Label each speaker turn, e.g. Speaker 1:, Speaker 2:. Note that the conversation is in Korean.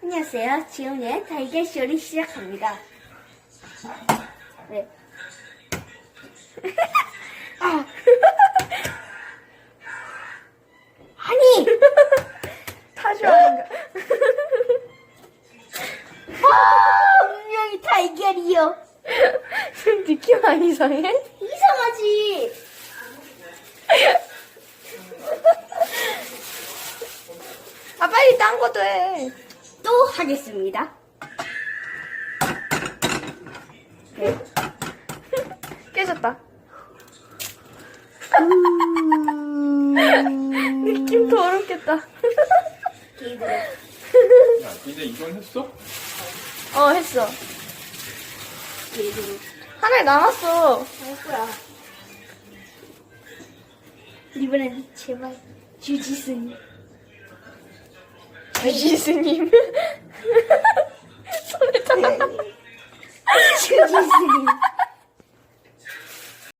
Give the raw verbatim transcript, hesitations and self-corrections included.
Speaker 1: 안녕하세요. 지훈의 달걀쇼를 시작합니다. 네. 아. 아니!
Speaker 2: 타조하는가?
Speaker 1: 아, 분명히 달걀이요.
Speaker 2: 느낌 안 이상해?
Speaker 1: 이상하지?
Speaker 2: 아, 빨리 딴 것도 해.
Speaker 1: 또 하겠습니다. 네.
Speaker 2: 깨졌다.
Speaker 1: 음...
Speaker 2: 느낌 더럽겠다.
Speaker 1: 개들어.
Speaker 3: 야, 이제 이건 했어?
Speaker 2: 어, 했어.
Speaker 1: 개들어.
Speaker 2: 하나 남았어.
Speaker 1: 할 거야. 이번엔 제발 주지스님.
Speaker 2: 주지스님. 손에 다.
Speaker 1: 주지스님.